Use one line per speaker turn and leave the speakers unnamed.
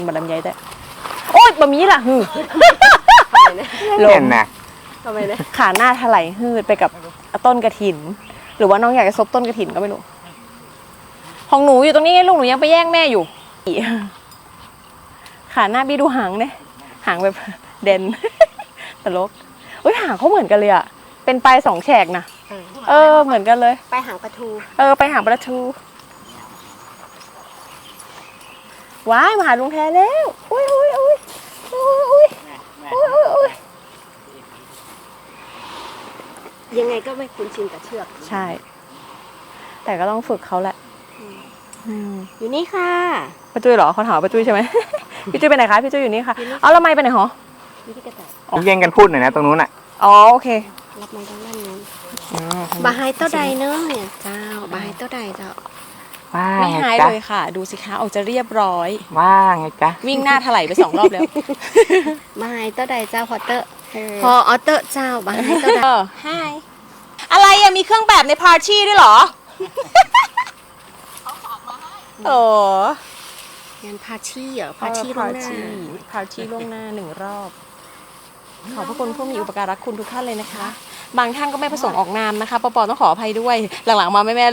บะลำไยแต่โอ๊ยบะหมี่ล่ะฮือลมนะ
ทำไมเนี่ย
ขาหน้าถลายฮืดไปกับต้นกระถิน หรือว่าน้องอยากจะซบต้นกระถินก็ไม่รู้ของหนูอยู่ตรงนี้ลูกหนูยังไปแย่งแม่อยู่ขาหน้าบี้ดูหางเนี่ยหางแบบเด่นตลกอุ้ยหางเขาเหมือนกันเลยอ่ะเป็นปลายสองแฉกนะเหมือนกันเลย
ไปหางปลาทู
ไปหางปลาทูว้ายมาหาลุงแทนแล้วอุ้ย
ยังไงก็ไม่คุ้นชินกับเชือก
ใช่แต่ก็ต้องฝึกเขาแหละ
อยู่นี่ค่ะ
ป้าจุ้ยเหรอเขาถามป้าจุ้ยใช่ไหม พี่จุ้ยไปไหนคะพี่จุ้ยอยู่นี่ค่ะเอาแล้วไม่ไปไหนหรอ
พี่กระต่าย
แย่งกันพูดหน่อยนะตรงนู้นอ่ะ
อ๋อโอเค
รับไม้ตรงนั้นนู้นบาไฮเต้าใดเนอะเนี่ยเจ้าบาไฮเต้าใดเจ้า
ไม่หายเลยค่ะดูสิคะออกจะเรียบร้อย
ว่าไงจ๊ะ
วิ่งหน้าถลายไป2 รอบแล้ว
บาไฮเต้าใดเจ้าพอเตอร์พออเตอร์เจ้าบาไฮเต้าใด
ไฮอะไรอะมีเครื่องแบบในพาร์ตี้ด้วยเหรอโอ้
งานพาร์ตี้เหรอพาร์ตี้ล่วงหน้า
พาร์ตี้ล่วงหน้า1 รอบขอบพระคุณผู้มีอุปการะคุณทุกท่านเลยนะคะบางท่านก็ไม่ประสงค์ออกนามนะคะปอต้องขออภัยด้วยหลังๆมาแม่